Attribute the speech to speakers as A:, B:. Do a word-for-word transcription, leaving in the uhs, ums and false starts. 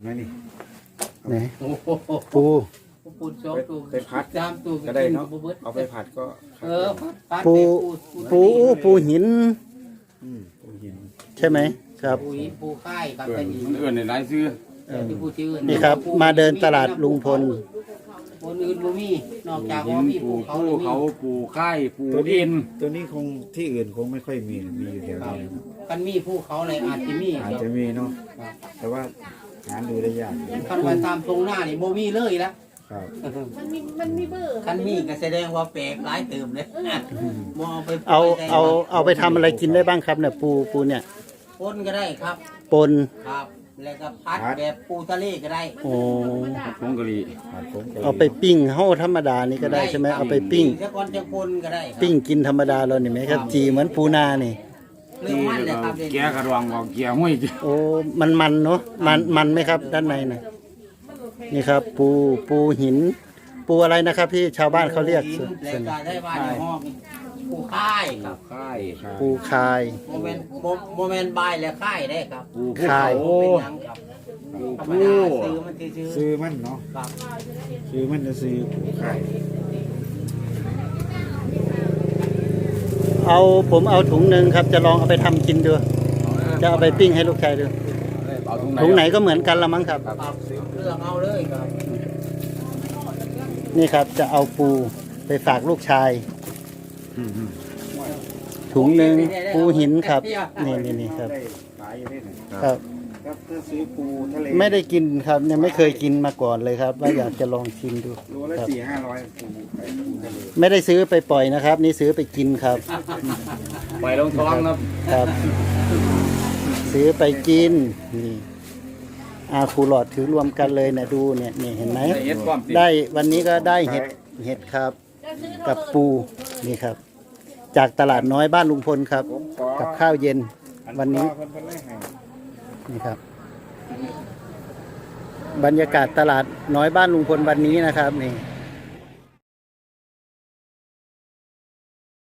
A: นั่นนี่
B: ไหน
C: โอ้โห
B: ปู
C: ปูสองตัว
A: ไปผัด
C: สามตัว
A: ก็ได้เนาะ
C: บ่บิด
A: เอาไปผัดก็
C: เออผัด
B: ปู
C: ปู
B: ปูอู้ปูหิน
A: อืมปูหิน
B: ใช่ไหมครับ
C: ปูหินปูค่ายครับ
A: เกิ
C: แต่
A: น
C: นี่
A: มันเอื่นในหลายซื้อ
C: แต่ที่ปูชื่อ
B: นี่ครับ มาเดินตลาดลุงพล
C: คนอื่นบ่มีนอกจาก
A: หิ
C: ว่าน มี
A: ปู
C: ปูเขา
A: ผู้
C: แล้วมี
A: เขาปูค่ายปู
D: ตัวนี้
A: อิน
D: ตัวนี้คงที่อื่นคงไม่ค่อยมีมีอยู่แถวนี้นะครับ
C: กันมีภูเขาเลยอาจจะมี
D: อาจจะมีเนาะแต่ว่าหาดูได้ยาก
C: คันว่าตามตรงหน้านี่บ่มีเลยละ
D: ครับ
E: มันมีมันมีเบอร์
C: คันมีก็แสดงว่าแปลกหลายเติมเลยมองไป
B: เอาเอาเอาไปทำอะไรกินได้บ้างครับเนี่ยปูปูเนี่ย
C: ปนก็ได้ครับ
B: ปน
C: ครับ แล้วก็พัดแบบปูทะเลก็ได้
B: โอ้
A: ผงกะหรี่
D: ผัดผมกะหรี่
B: เอาไปปิ้งเฮ้าธรรมดานี่ก็ได้ใช่ไหมเอาไปปิ้ง
C: ถ้าก่อนจะปนก็ได้ครับ
B: ปิ้งกินธรรมดาเราเนี่ยไหมครับ จีเหมือนปูนานี่
C: เรื่องมันเลยครับ
A: แกะกระดวงบอกเกียร์ห้วย
B: โอ้มันมันเนาะมันมันไหมครับ ด้านในน่ะนี่ครับ ปูปูหิน ปูอะไรนะครับพี่ชาวบ้านเขาเรียก
C: หิน
B: ส่วน
C: แล้ว
B: ส่วน
C: ก็ได้บ้านในห้องปูค่ายครับ
A: ค่ายครับ
B: ปูคาย
C: โมเมนต์โมเมนต์บายและค่ายได้ครับ
A: ปูภู
B: ค่า
A: เขา
B: ย
C: เป็นหยังครับธรรมดาซื้อมันซื้อ
D: ซื้อมันเนาะ
C: ครับ
D: ซื้อมันจะซื้อผูไข่
B: เอาผมเอาถุงหนึ่งครับ จะลองเอาไปทำกินดูจะเอาไปปิ้งให้ลูกชายดู
A: เอาถุง
B: ถุงไหนก็เหมือนกันละมั้งครับ
C: ปรับเรื่องเอาเลยครับ
B: นี่ครับจะเอาปูไปฝากลูกชาย ถุงหนึ่งปูหินครับ นี่นี่นี่ครับ
D: ได้ขายอยู่ได้ไหน
B: ครับ
D: ครับถ้าซื้อปูทะเล
B: ไม่ได้กินครับยังไม่เคยกินมาก่อนเลยครับ ว่าอยากจะลองชิมดู
D: โลละ
B: ครับ
D: สี่ห้าร้อยปูไข่ปูทะเล
B: ไม่ได้ซื้อไปปล่อยนะครับ นี่ซื้อไปกินครับ
A: ไปลงท้องนะครับ
B: ครับ ซื้อไปกินนี่อาครูหลอดถือรวมกันเลยเนี่ยดูเนี่ยนี่เห็นไหม
A: ได้เอ็ดความสิ
B: ได้วันนี้ก็ได้เห็ดเห็ดครับ กับปูนี่ครับ จากตลาดน้อยบ้านลุงพลครับ
D: ผมขอ
B: กับข้าวเย็นวันนี้
D: เพิ่นเพิ่นให้ให้
B: นี่ครับ บรรยากาศตลาดน้อยบ้านลุงพลวันนี้นะครับนี่